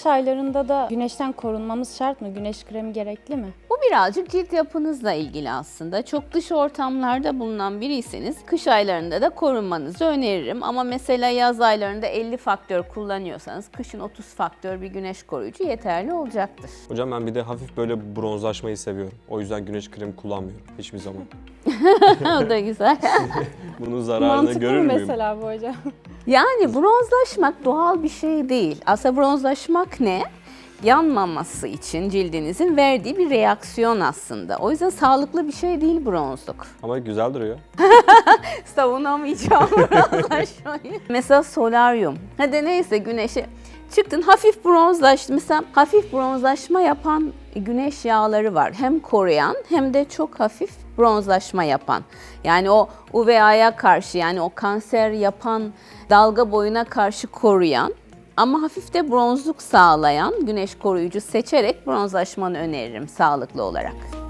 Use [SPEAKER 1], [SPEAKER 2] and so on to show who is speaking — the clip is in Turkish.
[SPEAKER 1] Kış aylarında da güneşten korunmamız şart mı? Güneş kremi gerekli mi?
[SPEAKER 2] Bu birazcık cilt yapınızla ilgili aslında. Çok dış ortamlarda bulunan biriyseniz kış aylarında da korunmanızı öneririm. Ama mesela yaz aylarında 50 faktör kullanıyorsanız kışın 30 faktör bir güneş koruyucu yeterli olacaktır.
[SPEAKER 3] Hocam ben bir de hafif böyle bronzlaşmayı seviyorum. O yüzden güneş kremi kullanmıyorum hiçbir zaman.
[SPEAKER 2] O da güzel.
[SPEAKER 3] Bunun zararını
[SPEAKER 1] Mantıklı
[SPEAKER 3] görür
[SPEAKER 1] mı
[SPEAKER 3] müyüm?
[SPEAKER 1] mesela bu hocam?
[SPEAKER 2] Yani bronzlaşmak doğal bir şey değil. Aslında bronzlaşmak ne? Yanmaması için cildinizin verdiği bir reaksiyon aslında. O yüzden sağlıklı bir şey değil bronzluk.
[SPEAKER 3] Ama güzel duruyor.
[SPEAKER 2] Savunamayacağım bronzlaşmayı. Mesela solaryum. Hadi neyse güneşe çıktın hafif bronzlaştın. Mesela hafif bronzlaşma yapan güneş yağları var. Hem koruyan hem de çok hafif bronzlaşma yapan. Yani o UVA'ya karşı yani o kanser yapan dalga boyuna karşı koruyan ama hafif de bronzluk sağlayan güneş koruyucu seçerek bronzlaşmanı öneririm sağlıklı olarak.